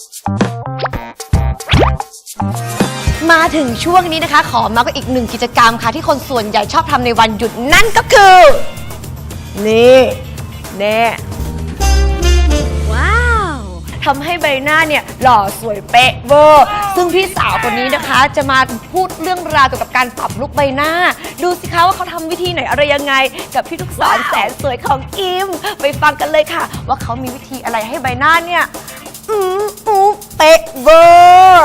มาถึงช่วงนี้นะคะขอมาก็อีกหนึ่งกิจกรรมค่ะที่คนส่วนใหญ่ชอบทำในวันหยุดนั่นก็คือนี่แน่ว้าวทำให้ใบหน้าเนี่ยหล่อสวยเป๊ะเวอร์ซึ่งพี่สาวคนนี้นะคะจะมาพูดเรื่องราวเกี่ยวกับการปรับลุคใบหน้าดูสิคะว่าเขาทำวิธีไหนอะไรยังไงกับพี่ลูกศรแสนสวยของอิมไปฟังกันเลยค่ะว่าเขามีวิธีอะไรให้ใบหน้าเนี่ยเป๊ะเวอร์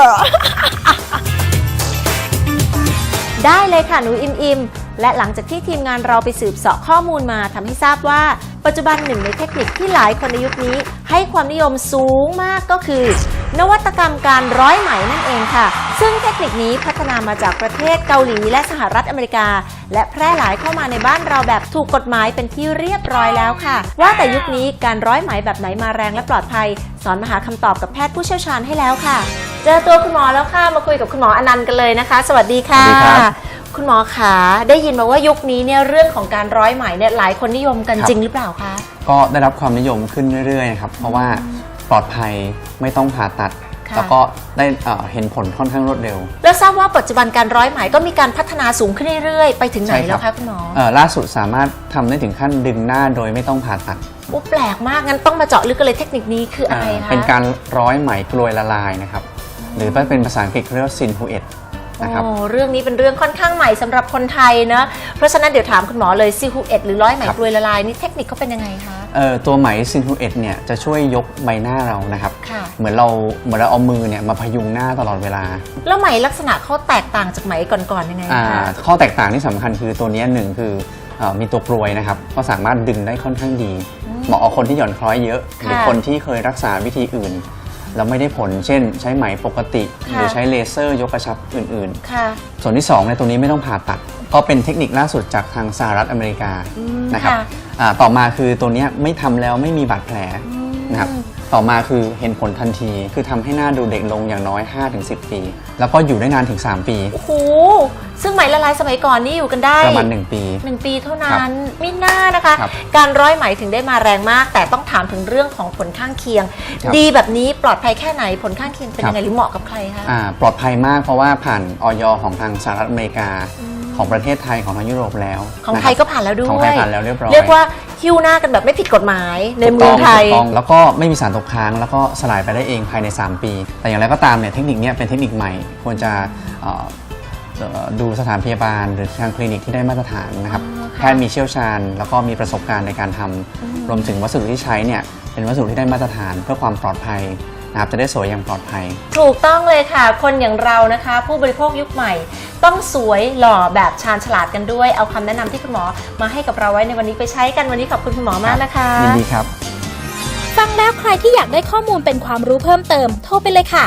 ได้เลยค่ะหนูอิมและหลังจากที่ทีมงานเราไปสืบเสาะข้อมูลมาทำให้ทราบว่าปัจจุบันหนึ่งในเทคนิคที่หลายคนในยุคนี้ให้ความนิยมสูงมากก็คือนวัตกรรมการร้อยไหมนั่นเองค่ะซึ่งเทคนิคนี้พัฒนามาจากประเทศเกาหลีและสหรัฐอเมริกาและแพร่หลายเข้ามาในบ้านเราแบบถูกกฎหมายเป็นที่เรียบร้อยแล้วค่ะว่าแต่ยุคนี้การร้อยไหมแบบไหนมาแรงและปลอดภัยสอนมาหาคำตอบกับแพทย์ผู้เชี่ยวชาญให้แล้วค่ะเจอตัวคุณหมอแล้วค่ะมาคุยกับคุณหมออนันต์กันเลยนะคะสวัสดีค่ะคุณหมอขาได้ยินมาว่ายุคนี้เนี่ยเรื่องของการร้อยไหมเนี่ยหลายคนนิยมกันจริงหรือเปล่าคะก็ได้รับความนิยมขึ้นเรื่อยๆนะครับเพราะว่าปลอดภัยไม่ต้องผ่าตัดแล้วก็ได้เห็นผลค่อนข้างรวดเร็วแล้วทราบว่าปัจจุบันการร้อยไหมก็มีการพัฒนาสูงขึ้นเรื่อยๆไปถึงไหนแล้วคะคุณหมอล่าสุดสามารถทำได้ถึงขั้นดึงหน้าโดยไม่ต้องผ่าตัดแปลกมากงั้นต้องมาเจาะลึกกันเลยเทคนิคนี้คืออะไรคะเป็นการร้อยไหมกลวยละลายนะครับหรือเป็นภาษาอังกฤษเรียกว่าซินฮูเอตนะครับเรื่องนี้เป็นเรื่องค่อนข้างใหม่สำหรับคนไทยนะเพราะฉะนั้นเดี๋ยวถามคุณหมอเลยซินฮูเอตหรือร้อยไหมกลวยละลายนี่เทคนิคเขาเป็นยังไงคะตัวไหมซินฮูเอตเนี่ยจะช่วยยกใบหน้าเรานะครับเหมือนเราเอามือเนี่ยมาพยุงหน้าตลอดเวลาแล้วไหมลักษณะเขาแตกต่างจากไหมก่อนๆยังไงคะข้อแตกต่างที่สำคัญคือตัวนี้หนึ่งคือมีตัวกลวยนะครับก็สามารถดึงได้ค่อนข้างดีเหมาะกับคนที่หย่อนคล้อยเยอะหรือคนที่เคยรักษาวิธีอื่นแล้วไม่ได้ผลเช่นใช้ไหมปกติหรือใช้เลเซอร์ยกกระชับอื่นๆส่วนที่2ในตัวนี้ไม่ต้องผ่าตัดก็เป็นเทคนิคล่าสุดจากทางสหรัฐอเมริกานะครับต่อมาคือตัวนี้ไม่ทำแล้วไม่มีบาดแผลนะครับต่อมาคือเห็นผลทันทีคือทำให้หน้าดูเด็กลงอย่างน้อย 5-10 ปีแล้วก็อยู่ได้นานถึง3 ปีโอ้โหซึ่งไหมละลายสมัยก่อนนี่อยู่กันได้ประมาณ1 ปี 1 ปีเท่านั้นไม่น่านะคะการร้อยไหมถึงได้มาแรงมากแต่ต้องถามถึงเรื่องของผลข้างเคียงดีแบบนี้ปลอดภัยแค่ไหนผลข้างเคียงเป็นยังไงหรือเหมาะกับใครคะปลอดภัยมากเพราะว่าผ่านอย.ของทางสหรัฐอเมริกาของประเทศไทยของทางยุโรปแล้วของไทยก็ผ่านแล้วด้วยของไทยผ่านแล้วเรียบร้อยเรียกว่าหิ้วหน้ากันแบบไม่ผิดกฎหมายในเมืองไทยแล้วก็ไม่มีสารตกค้างแล้วก็สลายไปได้เองภายใน3 ปีแต่อย่างไรก็ตามเนี่ยเทคนิคนี้เป็นเทคนิคใหม่ควรจะดูสถานพยาบาลหรือทางคลินิกที่ได้มาตรฐานนะครับแพทย์มีเชี่ยวชาญแล้วก็มีประสบการณ์ในการทำรวมถึงวัสดุที่ใช้เนี่ยเป็นวัสดุที่ได้มาตรฐานเพื่อความปลอดภัยนะครับจะได้สวยอย่างปลอดภัยถูกต้องเลยค่ะคนอย่างเรานะคะผู้บริโภคยุคใหม่ต้องสวยหล่อแบบชาญฉลาดกันด้วยเอาคำแนะนำที่คุณหมอมาให้กับเราไว้ในวันนี้ไปใช้กันวันนี้ขอบคุณคุณหมอมากนะคะยินดีครับฟังแล้วใครที่อยากได้ข้อมูลเป็นความรู้เพิ่มเติมโทรไปเลยค่ะ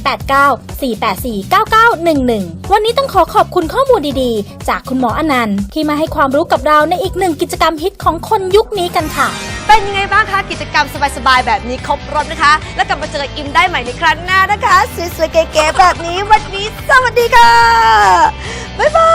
089-484-9911วันนี้ต้องขอบคุณข้อมูลดีๆจากคุณหมออนันต์ที่มาให้ความรู้กับเราในอีกหนึ่งกิจกรรมฮิตของคนยุคนี้กันค่ะเป็นยังไงบ้างคะกิจกรรมสบายๆแบบนี้ครบรถนะคะแล้วกลับมาเจออิมได้ใหม่ในครั้งหน้านะคะสวยๆเก๋ๆแบบนี้วันนี้สวัสดีค่ะบ๊ายบาย